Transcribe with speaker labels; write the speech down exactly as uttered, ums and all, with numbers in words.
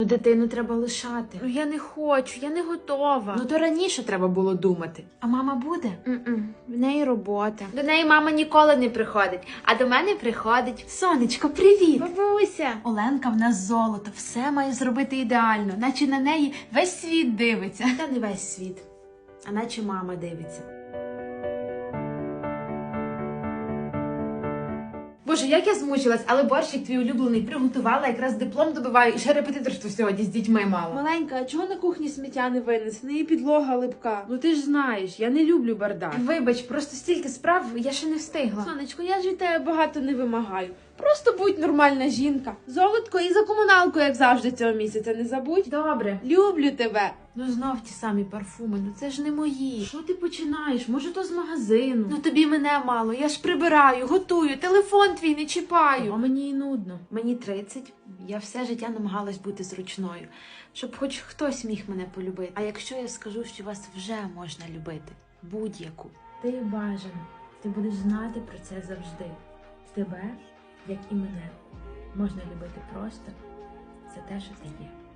Speaker 1: Ну, дитину треба лишати. Ну, я не хочу, я не готова. Ну, то раніше треба було думати. А мама буде? Mm-mm. В неї робота. До неї мама ніколи не приходить, а до мене приходить. Сонечко, привіт! Бабуся! Оленка в нас золото, все має зробити ідеально, наче на неї весь світ дивиться. Та не весь світ, а наче мама дивиться. Боже, як я змучилась, але борщик твій улюблений приготувала, якраз диплом добиваю, і ще репетиторство сьогодні з дітьми мало.
Speaker 2: Маленька, а чого на кухні сміття не винесено? І підлога липка. Ну ти ж знаєш, я не люблю бардак.
Speaker 1: Вибач, просто стільки справ, я ще не встигла.
Speaker 2: Сонечко, я ж від тебе багато не вимагаю. Просто будь нормальна жінка. Золотко і за комуналку, як завжди, цього місяця не забудь.
Speaker 1: Добре.
Speaker 2: Люблю тебе.
Speaker 1: Ну знов ті самі парфуми, ну це ж не мої. Що ти починаєш? Може то з магазину? Ну тобі мене мало, я ж прибираю, готую, телефон твій не чіпаю. А мені і нудно. Мені тридцять, я все життя намагалась бути зручною, щоб хоч хтось міг мене полюбити. А якщо я скажу, що вас вже можна любити, будь-яку. Ти бажана, ти будеш знати про це завжди. Тебе, як і мене, можна любити просто за те, що ти є.